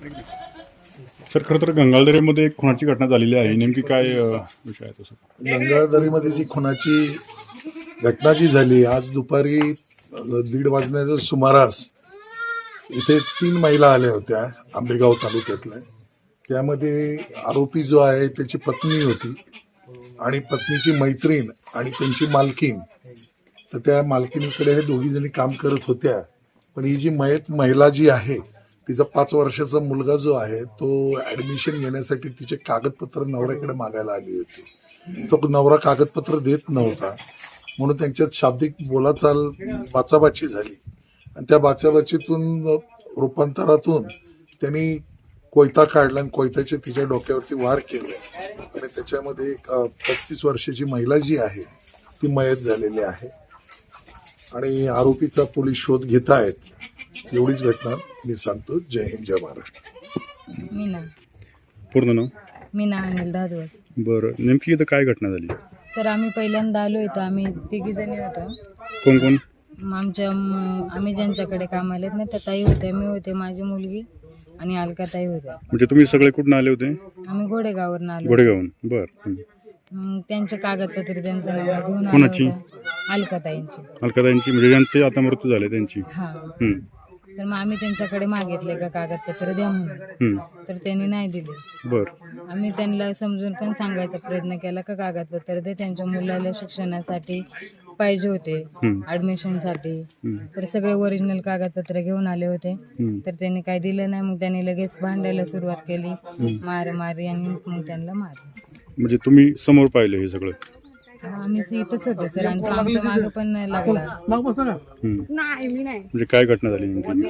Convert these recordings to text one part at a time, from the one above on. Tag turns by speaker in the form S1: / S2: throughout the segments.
S1: Sir खरं तर गंगाळदरीमध्ये एक खुनाची घटना झालेली आहे, नेमकी काय विषय आहे तसं?
S2: गंगाळदरीमध्ये जी खुनाची घटना जी झाली आज दुपारी 1:30 वाजण्याच्या सुमारास इथे 3 महिला आल्या होत्या आंबेगाव तालुक्यातल्या. त्यामध्ये आरोपी जो आहे त्याची पत्नी होती आणि पत्नीची मैत्रीण आणि त्यांची मालकीन. तर त्या मालकीनीकडे हे दोघी जणी काम करत होत्या. पण ही जी महिला जी आहे तिचा 5 वर्षाचा मुलगा जो आहे तो ऍडमिशन घेण्यासाठी तिचे कागदपत्र नवऱ्याकडे मागायला आली होती. तो नवरा कागदपत्र देत नव्हता म्हणून त्यांच्यात शाब्दिक बोलाचाल बाचाबाची झाली आणि त्या बाचाबाचीतून रूपांतरातून त्यांनी कोयता काढला आणि कोयत्याचे तिच्या डोक्यावरती वार केले आणि त्याच्यामध्ये एक 35 वर्षाची महिला जी आहे ती मयत झालेली आहे आणि आरोपीचा पोलीस शोध घेत आहेत. एवढीच घटना मी सांगतो. जय हिंद, जय महाराष्ट्र.
S3: मीना
S1: पूर्ण नाव?
S3: मीना अनिल दादवत.
S1: बरं, नेमकी इथं काय घटना झाली?
S3: सर आम्ही पहिल्यांदा आलो होतो, आम्ही 3 जणी होतो.
S1: कोण कोण?
S3: आम्ही ज्यांच्याकडे कामाला आहेत ना त्या ताई होत्या, मी होते, माझी मुलगी आणि अलका ताई होत्या.
S1: म्हणजे तुम्ही सगळे कुठून आले होते?
S3: आम्ही घोडेगाववरून आलो.
S1: घोडेगावून. बरं.
S3: मग त्यांचे कागदपत्र त्यांचं नाव घेऊन
S1: कोणाची?
S3: अलका ताईंची.
S1: अलकाताईंची, म्हणजे ज्यांचे आता मृत्यू झाले त्यांची?
S3: हा.
S1: हम्म.
S3: तर मग आम्ही त्यांच्याकडे मागितले का कागदपत्र द्या म्हणून, तर त्यांनी नाही दिले.
S1: बरं.
S3: आम्ही त्यांना समजून पण सांगायचा प्रयत्न केला का कागदपत्र दे, त्यांच्या मुलाला शिक्षणासाठी पाहिजे होते, ऍडमिशनसाठी. तर सगळे ओरिजिनल कागदपत्र घेऊन आले होते, तर त्यांनी काही दिलं नाही. मग त्यांनी लगेच भांडायला सुरुवात केली, मारामारी, आणि मग त्यांना मारलं.
S1: म्हणजे तुम्ही समोर पाहिलं हे सगळं?
S3: आम्ही इथंच होतो सर, आणि तो आमच्या मागं पण लागला.
S1: म्हणजे काय घटना झाली नेमकी?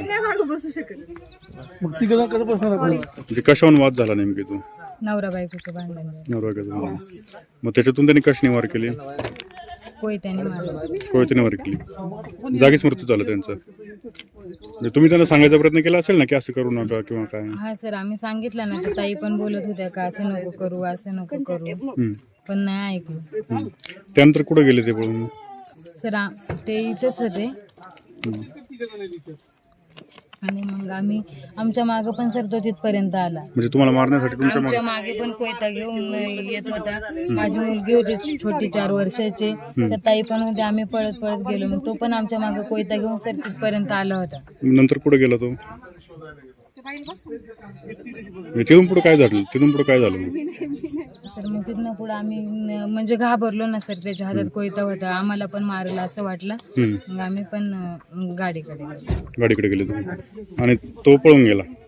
S1: म्हणजे कशावरून वाद झाला नेमकी? तो
S3: नवरा बायकोचं भांडण झालं.
S1: नवरा. मग त्याच्यातून त्यांनी कशाने वार केली?
S3: कोयत्याने मारलं.
S1: कोयत्याने वार केली, जागीच मृत्यू झाला त्यांचा. म्हणजे तुम्ही त्यांना सांगायचा प्रयत्न केला असेल ना की असं करू नका किंवा काय?
S3: हा सर, आम्ही सांगितलं ना, तर ताई पण बोलत होत्या का असं नको करू, असं नको करू, पण नाही ऐकलं.
S1: त्यानंतर कुठे गेले ते पळून?
S3: सर ते इथेच होते, आणि मग आम्ही आमच्या मागे पण सर तो तिथपर्यंत आला.
S1: म्हणजे तुम्हाला मारण्यासाठी
S3: आमच्या मागे पण कोयता घेऊन येत होता. माझी मुलगी होती छोटी 4 वर्षाची, तर ताई पण होते. आम्ही पळत पळत गेलो, मग तो पण आमच्या मागे कोयता घेऊन सर तिथपर्यंत आला होता.
S1: नंतर कुठे गेला तो? तिथून पुढे काय झालं?
S3: सर मग तिथनं पुढे आम्ही म्हणजे घाबरलो ना सर, त्याच्या हातात कोयता होता, आम्हाला पण मारला असं वाटलं. मग आम्ही पण गाडीकडे
S1: गेले तुम्ही आणि तो पळून गेला?